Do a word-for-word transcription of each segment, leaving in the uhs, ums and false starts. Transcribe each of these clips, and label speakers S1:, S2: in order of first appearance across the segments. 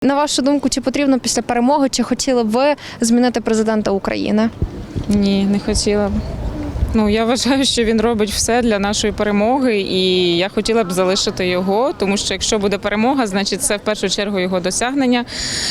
S1: На вашу думку, чи потрібно після перемоги, чи хотіли б ви змінити президента України?
S2: Ні, не хотіла б. Ну, я вважаю, що він робить все для нашої перемоги, і я хотіла б залишити його, тому що якщо буде перемога, значить це в першу чергу його досягнення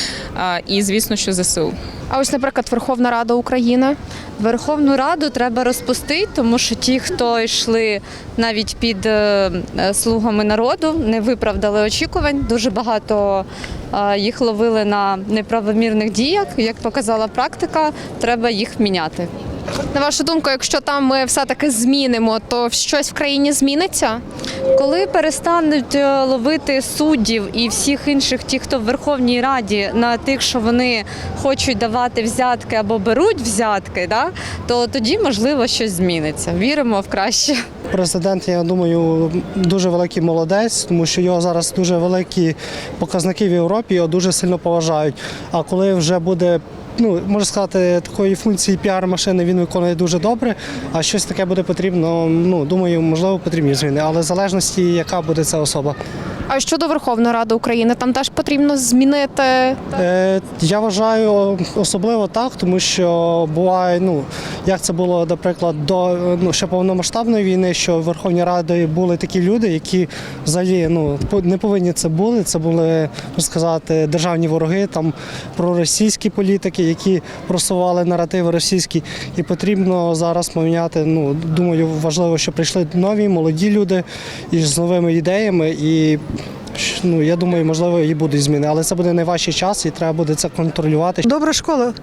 S2: і, звісно, що ЗСУ.
S1: А ось, наприклад, Верховна Рада України?
S3: Верховну Раду треба розпустити, тому що ті, хто йшли навіть під слугами народу, не виправдали очікувань. Дуже багато їх ловили на неправомірних діях. Як показала практика, треба їх міняти.
S1: На вашу думку, якщо там ми все-таки змінимо, то щось в країні зміниться?
S3: Коли перестануть ловити суддів і всіх інших, ті, хто в Верховній Раді, на тих, що вони хочуть давати взятки або беруть взятки, да, то тоді, можливо, щось зміниться. Віримо в краще.
S4: Президент, я думаю, дуже великий молодець, тому що його зараз дуже великі показники в Європі, його дуже сильно поважають. А коли вже буде, ну, можна сказати, такої функції піар-машини він виконує дуже добре, а щось таке буде потрібно, ну, думаю, можливо, потрібні зміни, але в залежності, яка буде ця особа.
S1: А щодо Верховної Ради України, там теж потрібно змінити?
S4: Е, я вважаю особливо так, тому що буває, ну, як це було, наприклад, до ну, ще повномасштабної війни, що в Верховній Раді були такі люди, які взагалі ну, не повинні це були, це були, можна сказати, державні вороги, там проросійські політики, які просували наративи російські, і потрібно зараз поміняти, ну, думаю, важливо, що прийшли нові, молоді люди із новими ідеями, і ну, я думаю, можливо, і будуть зміни, але це буде найважчий час і треба буде це контролювати.
S5: Добра школа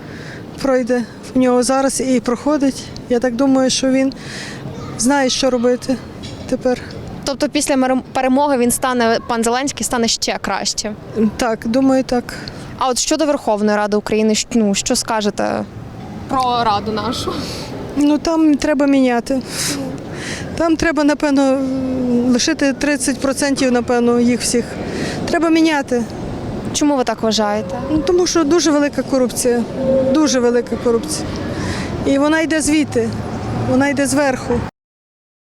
S5: пройде в нього зараз і проходить. Я так думаю, що він знає, що робити тепер.
S1: Тобто після перемоги він стане, пан Зеленський стане ще краще?
S5: Так, думаю, так.
S1: А от щодо Верховної Ради України, ну, що скажете про Раду нашу?
S5: Ну, там треба міняти. Там треба, напевно, лишити тридцять відсотків, напевно, їх всіх. Треба міняти.
S1: Чому ви так вважаєте?
S5: Ну, тому що дуже велика корупція, дуже велика корупція. І вона йде звідти, вона йде зверху.